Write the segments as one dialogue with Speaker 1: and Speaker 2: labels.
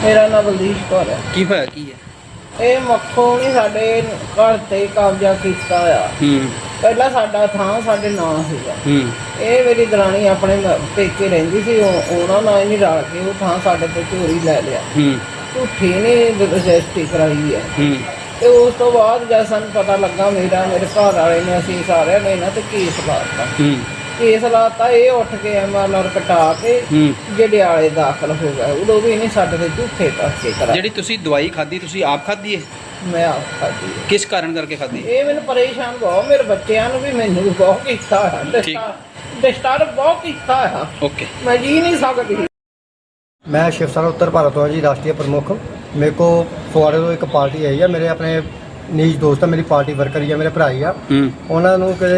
Speaker 1: ਮੇਰਾ ਨਾਮ ਬਲਦੀਪ ਕੌਰ ਹੈ।
Speaker 2: ਕੀ ਹੋਇਆ ਕੀ ਹੈ?
Speaker 1: ਇਹ ਮੱਖੋਂ ਨੇ ਸਾਡੇ ਘਰ ਤੇ ਕਬਜ਼ਾ ਕੀਤਾ ਆ। ਪਹਿਲਾਂ ਸਾਡਾ ਥਾਂ ਸਾਡੇ ਨਾਂ ਸੀਗਾ। ਇਹ ਮੇਰੀ ਦਰਾਣੀ ਆਪਣੇ ਪੇਕੇ ਰਹਿੰਦੀ ਸੀ, ਉਹਨਾਂ ਨਾਲ ਹੀ ਨਹੀਂ ਰਲ ਕੇ ਉਹ ਥਾਂ ਸਾਡੇ ਤੋਂ ਚੋਰੀ ਲੈ ਲਿਆ। ਝੂਠੀ ਨੇ ਰਜਿਸਟਰੀ ਕਰਾਈ ਹੈ। ਤੇ ਉਸ ਤੋਂ ਬਾਅਦ ਜਦ ਸਾਨੂੰ ਪਤਾ ਲੱਗਾ ਮੇਰੇ ਘਰ ਵਾਲੇ ਨੇ, ਅਸੀਂ ਸਾਰਿਆਂ ਨੇ ਇਹਨਾਂ ਤੇ ਕੇਸ ਲਾਤਾ। ਇਹ ਉੱਠ ਕੇ MLR ਕਟਾ ਕੇ ਜੜਿਆਲੇ ਦਾਖਲ ਹੋ ਗਿਆ। ਉਦੋਂ ਵੀ ਇਹਨੇ ਸਾਡੇ ਤੇ ਝੂਠੇ ਪਰਚੇ ਕਰਾਏ।
Speaker 2: ਜਿਹੜੀ ਤੁਸੀਂ ਦਵਾਈ ਖਾਧੀ, ਤੁਸੀਂ ਆਪ ਖਾਧੀ ਹੈ?
Speaker 1: ਮੈਂ ਆਪ ਖਾਧੀ।
Speaker 2: ਕਿਸ ਕਾਰਨ ਕਰਕੇ ਖਾਧੀ?
Speaker 1: ਇਹ ਮੈਨੂੰ ਪਰੇਸ਼ਾਨ ਬਹੁਤ, ਮੇਰੇ ਬੱਚਿਆਂ ਨੂੰ ਵੀ ਮੈਨੂੰ ਵੀ ਬਹੁਤ ਕੀਤਾ ਹੈ, ਡਿਸਟਰਬ ਬਹੁਤ ਕੀਤਾ ਹੈ।
Speaker 2: ਓਕੇ,
Speaker 1: ਮੈਂ ਜੀ ਨਹੀਂ ਸਕਦੀ।
Speaker 3: मैं शिव सेना उत्तर भारत तो जी राष्ट्रीय प्रमुख। मेरे को फुआड़े तो एक पार्टी आई है, मेरे अपने नीज दोस्त है, मेरी पार्टी वर्कर ही है, मेरे भरा ही आ। उन्होंने किते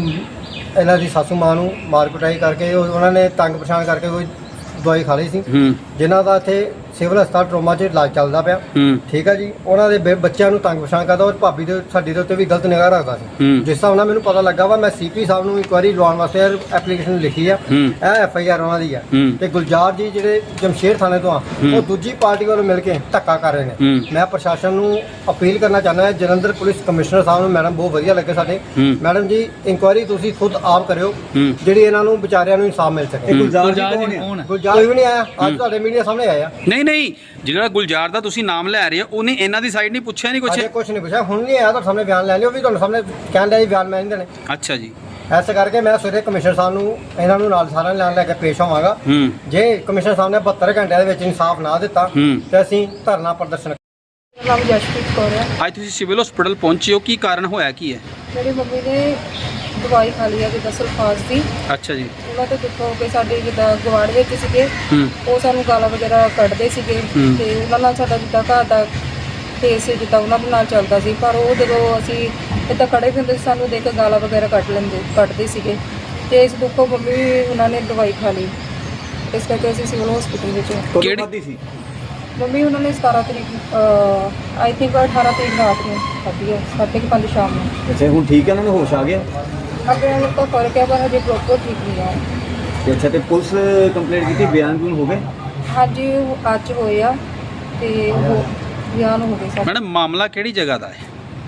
Speaker 3: ਇਹਨਾਂ ਦੀ ਸਾਸੂ ਮਾਂ ਨੂੰ ਮਾਰ ਕੁਟਾਈ ਕਰਕੇ ਉਹਨਾਂ ਨੇ ਤੰਗ ਪਰੇਸ਼ਾਨ ਕਰਕੇ ਕੋਈ ਦਵਾਈ ਖਾ ਲਈ ਸੀ, ਜਿਨ੍ਹਾਂ ਦਾ ਇੱਥੇ ਸਿਵਲ ਹਸਪਤਾਲ ਟਰੋਮਾ 'ਚ ਇਲਾਜ ਚੱਲਦਾ ਪਿਆ। ਠੀਕ ਹੈ ਜੀ। ਉਹਨਾਂ ਦੇ ਬੱਚਿਆਂ ਨੂੰ ਤੰਗ ਪਰੇਸ਼ਾਨ ਕਰਦਾ, ਔਰ ਭਾਬੀ ਦੇ ਸਾਡੀ ਦੇ ਉੱਤੇ ਵੀ ਗਲਤ ਨਿਗਾਹ ਰੱਖਦਾ ਸੀ। ਜਿਸ ਹਿਸਾਬ ਨਾਲ ਮੈਨੂੰ ਪਤਾ ਲੱਗਾ ਵਾ, ਮੈਂ CP ਸਾਹਿਬ ਨੂੰ ਇਨਕੁਆਇਰੀ ਲਵਾਉਣ ਵਾਸਤੇ ਐਪਲੀਕੇਸ਼ਨ ਲਿਖੀ ਆ। ਇਹ FIR ਉਹਨਾਂ ਦੀ ਆ। ਤੇ ਗੁਲਜ਼ਾਰ ਜੀ ਜਿਹੜੇ ਜਮਸ਼ੇਰ ਥਾਣੇ ਤੋਂ ਆ, ਉਹ ਦੂਜੀ ਪਾਰਟੀ ਵੱਲੋਂ ਮਿਲ ਕੇ ਧੱਕਾ ਕਰ ਰਹੇ ਨੇ। ਮੈਂ ਪ੍ਰਸ਼ਾਸਨ ਨੂੰ ਅਪੀਲ ਕਰਨਾ ਚਾਹੁੰਦਾ, ਜਲੰਧਰ ਪੁਲਿਸ ਕਮਿਸ਼ਨਰ ਸਾਹਿਬ ਨੂੰ, ਮੈਡਮ ਬਹੁਤ ਵਧੀਆ ਲੱਗੇ ਸਾਡੇ। ਮੈਡਮ ਜੀ, ਇਨਕੁਆਇਰੀ ਤੁਸੀਂ ਖੁਦ ਆਪ ਕਰਿਓ, ਜਿਹੜੀ ਇਹਨਾਂ ਨੂੰ ਵਿਚਾਰਿਆਂ ਨੂੰ ਇਨਸਾਫ ਮਿਲ ਸਕੇ। ਗੁਲਜ਼ਾਰ ਕੋਈ ਵੀ ਨਹੀਂ ਆਇਆ, ਅੱਜ ਤੁਹਾਡੇ ਮੀਡੀਆ ਸਾਹਮਣੇ ਆਇਆ।
Speaker 2: ਨਹੀਂ, ਜਿਹੜਾ ਗੁਲਜ਼ਾਰ ਦਾ ਤੁਸੀਂ ਨਾਮ ਲੈ ਰਹੇ ਹੋ, ਉਹਨੇ ਇਹਨਾਂ ਦੀ ਸਾਈਡ ਨਹੀਂ ਪੁੱਛਿਆ? ਨਹੀਂ
Speaker 3: ਕੁਛ ਨਹੀਂ ਪੁੱਛਿਆ, ਹੁਣ ਨਹੀਂ ਆਇਆ, ਤੁਹਾਡੇ ਸਾਹਮਣੇ ਬਿਆਨ ਲੈ ਲਿਓ। ਵੀ ਤੁਹਾਡੇ ਸਾਹਮਣੇ ਕਹਿਣ ਲਿਆ ਜੀ ਬਿਆਨ ਮੈਂ ਨਹੀਂ ਦੇਣੇ।
Speaker 2: ਅੱਛਾ ਜੀ।
Speaker 3: ਐਸੇ ਕਰਕੇ ਮੈਂ ਸਵੇਰੇ ਕਮਿਸ਼ਨਰ ਸਾਹਿਬ ਨੂੰ ਇਹਨਾਂ ਨੂੰ ਨਾਲ ਸਾਰਿਆਂ ਨੂੰ ਲੈ ਕੇ ਪੇਸ਼ ਹੋਵਾਂਗਾ। ਜੇ ਕਮਿਸ਼ਨਰ ਸਾਹਿਬ ਨੇ 72 ਘੰਟਿਆਂ ਦੇ ਵਿੱਚ ਇਨਸਾਫ ਨਾ ਦਿੱਤਾ ਤੇ ਅਸੀਂ ਧਰਨਾ ਪ੍ਰਦਰਸ਼ਨ।
Speaker 4: ਨਾਮ ਜਸ਼ਪ੍ਰੀਤ ਕੌਰ ਹੈ।
Speaker 2: ਅੱਜ ਤੁਸੀਂ ਸਿਵਲ ਹਸਪੀਟਲ ਪਹੁੰਚੇ ਹੋ, ਕੀ ਕਾਰਨ ਹੋਇਆ ਕੀ ਹੈ?
Speaker 4: ਮੇਰੀ ਮੰਮੀ ਨੇ ਦਵਾਈ ਖਾ ਲਈ ਹੈ ਜਿੱਦਾਂ ਸਲਫਾਸ ਦੀ।
Speaker 2: ਅੱਛਾ ਜੀ।
Speaker 4: ਉਹਨਾਂ ਤੋਂ ਦੁੱਖ ਹੋ ਕੇ ਸਾਡੇ ਜਿੱਦਾਂ ਗਵਾੜ ਵਿੱਚ ਸੀਗੇ, ਉਹ ਸਾਨੂੰ ਗਾਲਾਂ ਵਗੈਰਾ ਕੱਢਦੇ ਸੀਗੇ। ਤੇ ਉਹਨਾਂ ਨਾਲ ਸਾਡਾ ਜਿੱਦਾਂ ਘਰ ਦਾ ਕੇਸ ਜਿੱਦਾਂ ਉਹਨਾਂ ਦੇ ਨਾਲ ਚੱਲਦਾ ਸੀ, ਪਰ ਉਹ ਜਦੋਂ ਅਸੀਂ ਇੱਦਾਂ ਖੜੇ ਹੁੰਦੇ ਸੀ, ਸਾਨੂੰ ਦੇਖ ਕੇ ਗਾਲਾਂ ਵਗੈਰਾ ਕੱਢਦੇ ਸੀਗੇ। ਤੇ ਇਸ ਦੁੱਖੋਂ ਮੰਮੀ ਉਹਨਾਂ ਨੇ ਦਵਾਈ ਖਾ ਲਈ, ਇਸ ਕਰਕੇ ਅਸੀਂ ਸਿਵਲ ਹਸਪੀਟਲ ਵਿੱਚ।
Speaker 2: ਕਿਹੜੀ ਸੀ
Speaker 4: ਮੰਮੀ? ਉਹਨਾਂ ਨੇ 17 ਤਰੀਕ ਆਈ ਥਿੰਕ 18 ਤਰੀਕ ਰਾਤ ਨੂੰ ਖਾਧੀ ਹੈ, 5:30 ਸ਼ਾਮ ਨੂੰ।
Speaker 5: ਅੱਛਾ, ਹੁਣ ਠੀਕ ਹੈ, ਉਹਨਾਂ ਨੂੰ ਹੋਸ਼ ਆ ਗਿਆ?
Speaker 4: ਅੱਗੇ ਉਹਨਾਂ ਤੋਂ ਫਰਕ ਹੈ, ਪਰ ਹਜੇ ਪ੍ਰੋਪਰ ਠੀਕ ਨਹੀਂ ਹੈ।
Speaker 5: ਅੱਛਾ, ਤੇ ਪੁਲਿਸ ਕੰਪਲੇਂਟ ਕੀਤੀ, ਬਿਆਨ ਹੋ ਗਏ?
Speaker 4: ਹਾਂਜੀ, ਅੱਜ ਹੋਏ ਆ ਤੇ ਉਹ ਬਿਆਨ ਹੋ ਗਏ ਸਾਡੇ।
Speaker 2: ਮੈਡਮ, ਮਾਮਲਾ ਕਿਹੜੀ ਜਗ੍ਹਾ ਦਾ ਹੈ?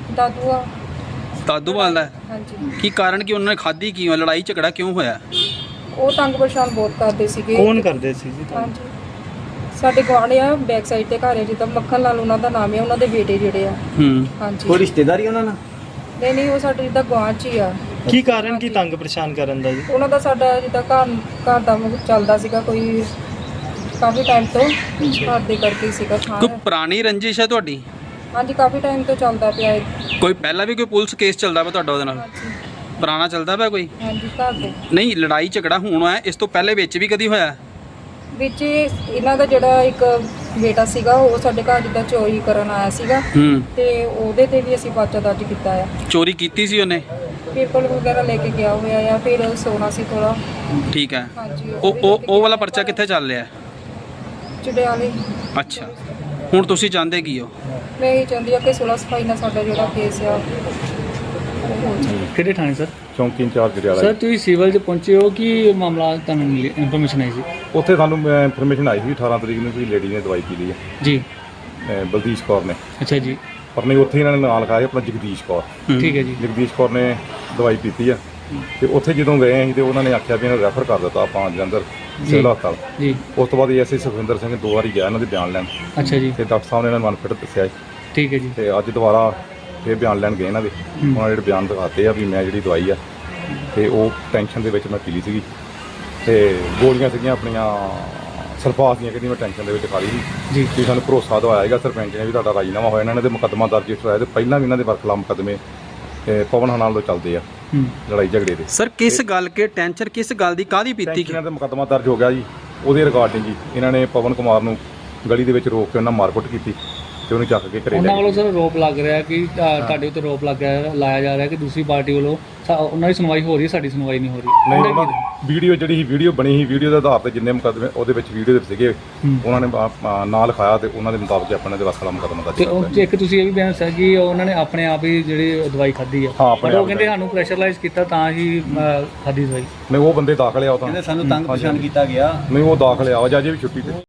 Speaker 2: ਦਾਦੂਵਾਲ ਦਾ?
Speaker 4: ਹਾਂਜੀ।
Speaker 2: ਕੀ ਕਾਰਨ ਕਿ ਉਹਨਾਂ ਨੇ ਖਾਧੀ ਕਿਉਂ? ਲੜਾਈ ਝਗੜਾ ਕਿਉਂ ਹੋਇਆ?
Speaker 4: ਉਹ ਤੰਗ ਪਰੇਸ਼ਾਨ ਬਹੁਤ ਕਰਦੇ ਸੀਗੇ।
Speaker 5: ਕੌਣ ਕਰਦੇ ਸੀ ਜੀ?
Speaker 4: ਹਾਂਜੀ, ਸਾਡੇ ਗੁਆਂਢ ਆ, ਬੈਕ ਸਾਈਡ ਤੇ ਘਰ ਹੈ, ਜਿੱਦਾਂ ਮੱਖਣ ਲਾਲ ਉਹਨਾਂ ਦਾ ਨਾਮ ਹੈ। ਉਹਨਾਂ ਦੇ ਬੇਟੇ ਜਿਹੜੇ ਆ। ਹਾਂਜੀ।
Speaker 5: ਕੋਈ ਰਿਸ਼ਤੇਦਾਰੀ ਉਹਨਾਂ ਨਾਲ?
Speaker 4: ਨਹੀਂ, ਉਹ ਸਾਡੇ ਜਿੱਦਾਂ ਗੁਆਂਢ 'ਚ ਹੀ ਆ।
Speaker 5: ਕੀ ਕਾਰਨ ਕੀ ਤੰਗ ਪਰੇਸ਼ਾਨ ਕਰਨ ਦਾ ਜੀ?
Speaker 4: ਉਹਨਾਂ ਦਾ ਸਾਡਾ ਜਿੱਦਾਂ ਘਰ ਦਾ ਚੱਲਦਾ ਸੀਗਾ, ਕੋਈ ਕਾਫੀ ਟਾਈਮ ਤੋਂ ਘਰ ਦੇ ਕਰਕੇ ਸੀਗਾ।
Speaker 2: ਕੋਈ ਪੁਰਾਣੀ ਰੰਜਿਸ਼ ਹੈ ਤੁਹਾਡੀ?
Speaker 4: ਹਾਂਜੀ, ਕਾਫੀ ਟਾਈਮ ਤੋਂ ਚੱਲਦਾ ਪਿਆ ਹੈ।
Speaker 2: ਕੋਈ ਪਹਿਲਾਂ ਵੀ ਕੋਈ ਪੁਲਿਸ ਕੇਸ ਚੱਲਦਾ ਪਿਆ ਤੁਹਾਡਾ ਉਹਦੇ ਨਾਲ?
Speaker 4: ਹਾਂਜੀ।
Speaker 2: ਪੁਰਾਣਾ ਚੱਲਦਾ ਪਿਆ ਕੋਈ?
Speaker 4: ਹਾਂਜੀ, ਘਰ ਦੇ।
Speaker 2: ਨਹੀਂ, ਲੜਾਈ ਝਗੜਾ ਹੋਣਾ ਹੈ, ਇਸ ਤੋਂ ਪਹਿਲੇ ਵਿੱਚ ਵੀ ਕਦੀ ਹੋਇਆ?
Speaker 4: ਵਿੱਚ ਇਹਨਾਂ ਦਾ ਜਿਹੜਾ ਇੱਕ ਬੇਟਾ ਸੀਗਾ, ਉਹ ਸਾਡੇ ਘਰ ਜਿੱਦਾਂ ਚੋਰੀ ਕਰਨ ਆਇਆ ਸੀਗਾ, ਤੇ ਉਹਦੇ ਤੇ ਵੀ ਅਸੀਂ ਪਰਚਾ ਦਰਜ ਕੀਤਾ ਆ।
Speaker 2: ਚੋਰੀ ਕੀਤੀ ਸੀ ਉਹਨੇ?
Speaker 4: ਪੇਪਰ ਵਗੈਰਾ ਲੈ ਕੇ ਗਿਆ ਹੋਇਆ ਆ, ਫਿਰ ਸੋਨਾ ਸੀ ਥੋੜਾ।
Speaker 2: ਠੀਕ ਹੈ।
Speaker 4: ਹਾਂਜੀ।
Speaker 2: ਉਹ ਵਾਲਾ ਪਰਚਾ ਕਿੱਥੇ ਚੱਲ ਰਿਹਾ?
Speaker 4: ਚੜਿਆਲੇ।
Speaker 2: ਅੱਛਾ, ਹੁਣ ਤੁਸੀਂ ਚਾਹੁੰਦੇ ਕੀ ਹੋ?
Speaker 4: ਮੈਂ ਇਹ ਚਾਹੁੰਦੀ ਆ ਕਿ 16 ਸਫਾਈ ਨਾਲ ਸਾਡਾ ਜਿਹੜਾ ਕੇਸ ਆ ਉਹ ਹੋ ਜਾਵੇ।
Speaker 6: ਕਿਹੜੇ ਥਾਣੇ ਸਰ?
Speaker 7: ਚੌਂਕੀ ਇੰਚਾਰਜ ਜੜਿਆਲਾ।
Speaker 6: ਸਰ, ਤੁਸੀਂ ਸਿਵਲ 'ਚ ਪਹੁੰਚੇ ਹੋ, ਕੀ ਮਾਮਲਾ ਤੁਹਾਨੂੰ ਮਿਲੀ ਇਨਫੋਰਮੇਸ਼ਨ ਆਈ ਸੀ?
Speaker 7: ਉੱਥੇ ਸਾਨੂੰ ਇਨਫੋਰਮੇਸ਼ਨ ਆਈ ਸੀ 18 ਤਰੀਕ ਨੂੰ ਕੋਈ ਲੇਡੀ ਨੇ ਦਵਾਈ ਪੀ ਲਈ ਹੈ
Speaker 6: ਜੀ।
Speaker 7: ਬਲਦੀਸ਼ ਕੌਰ ਨੇ।
Speaker 6: ਅੱਛਾ ਜੀ।
Speaker 7: ਪਰ ਨਹੀਂ, ਉੱਥੇ ਇਹਨਾਂ ਨੇ ਨਾਂ ਲਿਖਾਇਆ ਆਪਣਾ ਜਗਦੀਸ਼ ਕੌਰ।
Speaker 6: ਠੀਕ ਹੈ ਜੀ।
Speaker 7: ਜਗਦੀਸ਼ ਕੌਰ ਨੇ ਦਵਾਈ ਪੀਤੀ ਆ, ਤੇ ਉੱਥੇ ਜਦੋਂ ਗਏ ਅਸੀਂ ਤੇ ਉਹਨਾਂ ਨੇ ਆਖਿਆ ਵੀ ਇਹਨਾਂ ਰੈਫਰ ਕਰ ਦਿੱਤਾ ਆਪਾਂ ਜਲੰਧਰ ਸਿਵਲ ਹਸਪਤਾਲ ਜੀ। ਉਸ ਤੋਂ ਬਾਅਦ ਐਸਏ ਸੁਖਵਿੰਦਰ ਸਿੰਘ 2 ਵਾਰੀ ਗਿਆ ਇਹਨਾਂ ਦੇ ਬਿਆਨ ਲੈਣ।
Speaker 6: ਅੱਛਾ ਜੀ।
Speaker 7: ਤੇ ਡਾਕਟਰ ਸਾਹਿਬ ਨੇ ਇਹਨਾਂ ਨੂੰ ਅਨਫਿਟ ਦੱਸਿਆ।
Speaker 6: ਠੀਕ ਹੈ ਜੀ।
Speaker 7: ਤੇ ਅੱਜ ਦੁਬਾਰਾ ਫਿਰ ਬਿਆਨ ਲੈਣ ਗਏ ਇਹਨਾਂ ਦੇ। ਉਹਨਾਂ ਜਿਹੜੇ ਬਿਆਨ ਦਿਖਾਤੇ ਆ ਵੀ ਮੈਂ ਜਿਹੜੀ ਦਵਾਈ ਆ ਤੇ ਉਹ ਟੈਨਸ਼ਨ ਦੇ ਵਿੱਚ ਮੈਂ ਪੀ ਲਈ ਸੀਗੀ, ਤੇ ਗੋਲੀਆਂ ਸੀਗੀਆਂ ਆਪਣੀਆਂ ਸਲਫਾਸ ਦੀਆਂ, ਕਹਿੰਦੀ ਮੈਂ ਟੈਨਸ਼ਨ ਦੇ ਵਿੱਚ ਖਾ ਲਈ ਸੀ ਜੀ। ਸਾਨੂੰ ਭਰੋਸਾ ਦਵਾਇਆ ਹੈਗਾ ਸਰਪੰਚ ਨੇ ਵੀ ਤੁਹਾਡਾ ਰਾਜੀਨਾਮਾ ਹੋਇਆ। ਇਹਨਾਂ ਨੇ ਤੇ ਮੁਕੱਦਮਾ ਦਰਜ ਕਰਾਇਆ, ਤੇ ਪਹਿਲਾਂ ਵੀ ਇਹਨਾਂ ਦੇ ਵਰਖਲਾਫ ਮੁਕੱਦਮੇ ਪਵਨ ਹਨਾਲ ਤੋਂ ਚੱਲਦੇ ਆ ਲੜਾਈ ਝਗੜੇ ਦੇ।
Speaker 2: ਸਰ, ਕਿਸ ਗੱਲ ਕੇ ਟੈਂਸ਼ਨ, ਕਿਸ ਗੱਲ ਦੀ, ਕਾਹਦੀ ਪੀਤੀ?
Speaker 7: ਇਹਨਾਂ ਦੇ ਮੁਕੱਦਮਾ ਦਰਜ ਹੋ ਗਿਆ ਜੀ, ਉਹਦੇ ਰਿਗਾਰਡਿੰਗ ਜੀ ਇਹਨਾਂ ਨੇ ਪਵਨ ਕੁਮਾਰ ਨੂੰ ਗਲੀ ਦੇ ਵਿੱਚ ਰੋਕ ਕੇ ਉਹਨਾਂ ਮਾਰਕੁੱਟ ਕੀਤੀ ਤੇ ਉਹਨੂੰ ਚੱਕ ਕੇ ਘਰੇ
Speaker 6: ਉਹਨਾਂ
Speaker 7: ਲੈ
Speaker 6: ਵੱਲੋਂ ਸਰ ਆਰੋਪ ਲੱਗ ਰਿਹਾ ਕਿ ਤੁਹਾਡੇ ਉੱਤੇ ਆਰੋਪ ਲਾਇਆ ਜਾ ਰਿਹਾ ਕਿ ਦੂਸਰੀ ਪਾਰਟੀ ਵੱਲੋਂ ਉਹਨਾਂ ਦੀ ਸੁਣਵਾਈ ਹੋ ਰਹੀ ਹੈ, ਸਾਡੀ ਸੁਣਵਾਈ ਨਹੀਂ ਹੋ ਰਹੀ।
Speaker 7: ਨਹੀਂ, ਉਹਨਾਂ ਵੀਡੀਓ ਜਿਹੜੀ ਸੀ, ਵੀਡੀਓ ਬਣੀ ਸੀ, ਵੀਡੀਓ ਦੇ ਆਧਾਰ ਤੇ ਜਿੰਨੇ ਮੁਕੱਦਮੇ ਉਹਦੇ ਵਿੱਚ ਵੀਡੀਓ ਦੇ ਸੀਗੇ, ਉਹਨਾਂ ਨੇ ਨਾਂ ਲਿਖਾਇਆ ਤੇ ਉਹਨਾਂ ਦੇ ਮੁਤਾਬਕ ਆਪਣੇ ਦੇ ਵਸਲਾ ਮੁਕੱਦਮਾ ਦਰਜ ਕੀਤਾ।
Speaker 6: ਤੇ ਇੱਕ ਤੁਸੀਂ ਇਹ ਵੀ ਬਿਆਨ ਦੱਸਿਆ ਕਿ ਉਹਨਾਂ ਨੇ ਆਪਣੇ ਆਪ ਹੀ ਜਿਹੜੀ ਦਵਾਈ ਖਾਧੀ ਆ, ਪਰ ਉਹ ਕਹਿੰਦੇ ਸਾਨੂੰ ਪ੍ਰੈਸ਼ਰਾਈਜ਼ ਕੀਤਾ ਤਾਂ ਹੀ ਖਾਧੀ ਦਵਾਈ।
Speaker 7: ਨਹੀਂ, ਉਹ ਬੰਦੇ ਦਾਖਲ ਆ, ਉਹ ਤਾਂ
Speaker 5: ਕਹਿੰਦੇ ਸਾਨੂੰ ਤੰਗ ਪਰੇਸ਼ਾਨ ਕੀਤਾ ਗਿਆ।
Speaker 7: ਨਹੀਂ, ਉਹ ਦਾਖਲ ਆ, ਅਜੇ ਵੀ ਛੁੱਟੀ ਤੇ।